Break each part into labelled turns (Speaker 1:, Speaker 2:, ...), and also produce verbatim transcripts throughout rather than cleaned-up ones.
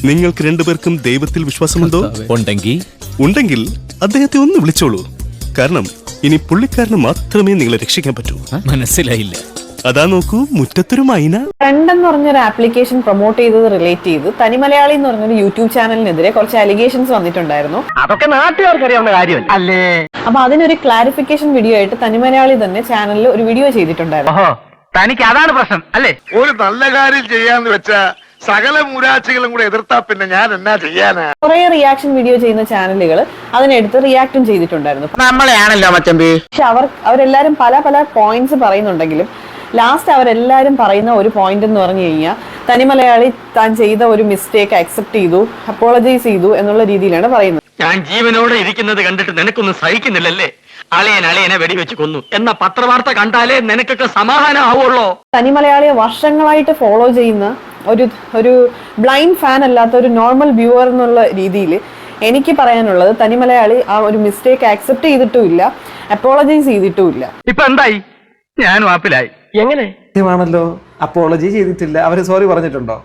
Speaker 1: നിങ്ങൾക്ക് രണ്ടുപേർക്കും ദൈവത്തിൽ വിശ്വാസമുണ്ടോ?
Speaker 2: ഉണ്ടെങ്കിൽ
Speaker 1: ഉണ്ടെങ്കിൽ അദ്ദേഹത്തെ ഒന്ന് വിളിച്ചോളൂ. കാരണം ഇനി പുള്ളിക്കാരന് മാത്രമേ നിങ്ങളെ രക്ഷിക്കാൻ പറ്റൂ.
Speaker 2: മനസ്സിലായില്ല.
Speaker 1: അതാ നോക്കൂ, മുറ്റത്തൊരു മൈന.
Speaker 3: ഫ്രണ്ട് എന്ന് പറഞ്ഞൊരു ആപ്ലിക്കേഷൻ പ്രൊമോട്ട് ചെയ്തത് റിലേറ്റ് ചെയ്ത് തനി മലയാളി എന്ന് പറഞ്ഞൊരു യൂട്യൂബ് ചാനലിനെതിരെ കുറച്ച് അലിഗേഷൻസ് വന്നിട്ടുണ്ടായിരുന്നു.
Speaker 4: അതൊക്കെ നാട്ടുകാർക്ക് അറിയാവുന്ന കാര്യമല്ല അല്ലേ?
Speaker 3: അപ്പൊ അതിനൊരു ക്ലാരിഫിക്കേഷൻ വീഡിയോ ആയിട്ട് തനി മലയാളി തന്നെ ചാനലിൽ ഒരു വീഡിയോ ചെയ്തിട്ടുണ്ടായിരുന്നു.
Speaker 4: തനിക്ക് അതാണ് പ്രശ്നം അല്ലേ?
Speaker 5: ഒരു നല്ല കാര്യം ചെയ്യാന്ന് വെച്ചാ സകല മൂരാച്ചികളും കൂടെ എതിർത്താ പിന്നെ ഞാൻ എന്നാ ചെയ്യാനാ?
Speaker 3: കുറെ റിയാക്ഷൻ വീഡിയോ ചെയ്യുന്ന ചാനലുകൾ അതിനെടുത്ത് റിയാക്റ്റും ചെയ്തിട്ടുണ്ടായിരുന്നു.
Speaker 4: നമ്മളെയാണല്ലോ മച്ചമ്പി.
Speaker 3: പക്ഷെ അവർ അവരെല്ലാരും പല പല പോയിന്റ്സ് പറയുന്നുണ്ടെങ്കിലും ലാസ്റ്റ് അവരെല്ലാരും പറയുന്ന ഒരു പോയിന്റ് എന്ന് പറഞ്ഞു കഴിഞ്ഞാൽ തനി മലയാളി താൻ ചെയ്ത ഒരു മിസ്റ്റേക്ക് അക്സെപ്റ്റ് ചെയ്തു, അപ്പോളജൈസ് ചെയ്തു എന്നുള്ള രീതിയിലാണ് പറയുന്നത്.
Speaker 4: ഞാൻ ജീവനോടെ ഇരിക്കുന്നത് കണ്ടിട്ട് നിനക്കൊന്നും സഹിക്കുന്നില്ലല്ലേ? അളിയൻ അളിയനെ വെടിവെച്ച് കൊന്നു എന്ന പത്രവാർത്ത കണ്ടാലേ നിനക്കൊക്കെ സമാധാനം ആവുള്ളൂ.
Speaker 3: തനി മലയാളിയെ വർഷങ്ങളായിട്ട് ഫോളോ ചെയ്യുന്ന ഒരു ഒരു ബ്ലൈൻഡ് ഫാൻ അല്ലാത്ത ഒരു നോർമൽ വ്യൂവർ എന്നുള്ള രീതിയിൽ എനിക്ക് പറയാനുള്ളത് തനി മലയാളി ആ ഒരു മിസ്റ്റേക്ക് ആക്സെപ്റ്റ് ചെയ്തിട്ടുമില്ല, അപ്പോളജൈസ് ചെയ്തിട്ടുമില്ല.
Speaker 4: ഇപ്പൊ എന്തായി? ഞാൻ വാപ്പിലായി. എങ്ങനെ
Speaker 6: ാണല്ലോ അപ്പോളജി ചെയ്തിട്ടില്ല. അവര് സോറി പറഞ്ഞിട്ടുണ്ടോ?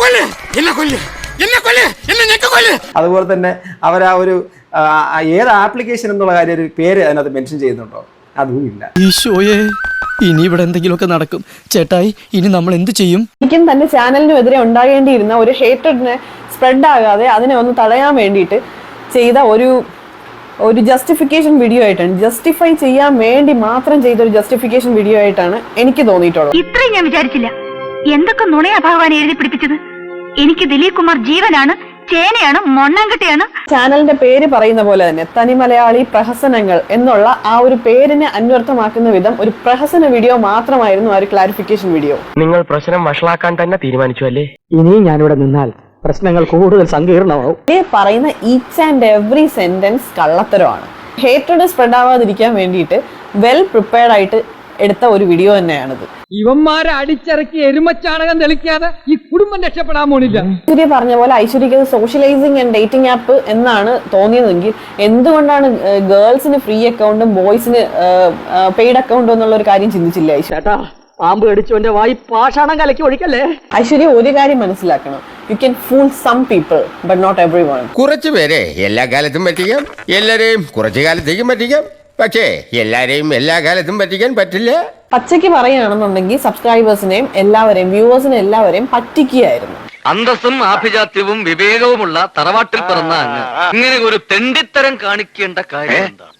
Speaker 6: അതുപോലെ തന്നെ അവർ ആ ഒരു ഏത് ആപ്ലിക്കേഷൻ എന്നുള്ള കാര്യം ഒരു പേര് അതിനകത്ത് മെൻഷൻ ചെയ്യുന്നുണ്ടോ? അതും ഇല്ല.
Speaker 2: ഈശോയെ, ഇനി ഇവിടെ എന്തെങ്കിലുമൊക്കെ നടക്കും. ചേട്ടായി, ഇനി നമ്മൾ എന്ത് ചെയ്യും?
Speaker 3: എനിക്കും തന്റെ ചാനലിനും എതിരെ ഉണ്ടാകേണ്ടിയിരുന്ന ഒരു ഹേറ്റഡിനെ സ്പ്രെഡ് ആകാതെ അതിനെ ഒന്ന് തടയാൻ വേണ്ടിയിട്ട് ചെയ്ത ഒരു ഒരു ജസ്റ്റിഫിക്കേഷൻ വീഡിയോ ആയിട്ടാണ്, ജസ്റ്റിഫൈ ചെയ്യാൻ വേണ്ടി മാത്രം ചെയ്ത ഒരു ജസ്റ്റിഫിക്കേഷൻ വീഡിയോ ആയിട്ടാണ് എനിക്ക് തോന്നിയിട്ടുള്ളത്.
Speaker 7: ഇത്രയും ഞാൻ വിചാരിച്ചില്ല. എന്തൊക്കെ നുണയാ ഭഗവാൻ എഴുതി പിടിപ്പിച്ചത്. എനിക്ക് ദിലീപ് കുമാർ ജീവനാണ്, ചേനയാണ്, മൊണ്ണാങ്കട്ടിയാണ്.
Speaker 3: ചാനലിന്റെ പേര് പറയുന്ന പോലെ തന്നെ തനി മലയാളി പ്രഹസനങ്ങൾ എന്നുള്ള ആ ഒരു പേരിനെ അന്വർത്ഥമാക്കുന്ന വിധം ഒരു പ്രഹസന വീഡിയോ മാത്രമായിരുന്നു ആ ഒരു ക്ലാരിഫിക്കേഷൻ വീഡിയോ.
Speaker 4: നിങ്ങൾ പ്രശ്നം വഷളാക്കാൻ തന്നെ തീരുമാനിച്ചു അല്ലേ?
Speaker 8: ഇനിയും ഞാനിവിടെ നിന്നാൽ പ്രശ്നങ്ങൾ കൂടുതൽ സങ്കീർണമാവും.
Speaker 3: പറയുന്ന ഈച്ച് ആൻഡ് എവറി സെന്റൻസ് കള്ളത്തരമാണ്. ഹേറ്റഡ് സ്പ്രെഡ് ആവാതിരിക്കാൻ വേണ്ടിയിട്ട് വെൽ പ്രിപ്പയർഡ് ആയിട്ട് എടുത്ത ഒരു വീഡിയോ തന്നെയാണിത്.
Speaker 8: ഇവന്മാരെ അടിച്ചിറക്കി എരുമച്ചാണകം തെളിക്കാതെ ഈ കുടുംബം രക്ഷപ്പെടാൻ പോണില്ല.
Speaker 3: ഐശ്വര്യ പറഞ്ഞ പോലെ ഐശ്വര്യക്ക് സോഷ്യലൈസിങ് ആൻഡ് ഡേറ്റിംഗ് ആപ്പ് എന്നാണ് തോന്നിയതെങ്കിൽ എന്തുകൊണ്ടാണ് ഗേൾസിന് ഫ്രീ അക്കൗണ്ടും ബോയ്സിന് പെയ്ഡ് അക്കൗണ്ടും എന്നുള്ള ഒരു കാര്യം ചിന്തിച്ചില്ല ഐശ്വര്യ?
Speaker 8: പാമ്പ് കടിച്ചവന്റെ വായി പാഷാണം കലക്കി ഒഴിക്കല്ലേ.
Speaker 3: ഐശ്വര്യ ഒരു കാര്യം മനസ്സിലാക്കണം, you can fool some people but not everyone.
Speaker 9: കുറച്ചു പേരെ എല്ലാ കാലത്തും പറ്റിക്കാം, എല്ലാരെയും കുറച്ചു കാലത്തേക്കും പറ്റിക്കാം. പക്ഷേ എല്ലാരെയും എല്ലാ കാലത്തും പറ്റിക്കാൻ പറ്റില്ല.
Speaker 3: പച്ചയ്ക്ക് പറയുകയാണെന്നുണ്ടെങ്കിൽ സബ്സ്ക്രൈബേഴ്സിനെയും എല്ലാവരെയും വ്യൂവേഴ്സിനെ എല്ലാവരെയും പറ്റിക്കുകയായിരുന്നു.
Speaker 4: അന്തസ്സും ആഭിജാത്യവും വിവേകവുമുള്ള തറവാട്ടിൽ പിറന്ന അങ്ങ് ഇങ്ങനെ ഒരു തെണ്ടിത്തരം കാണിക്കേണ്ട കാര്യം എന്താ?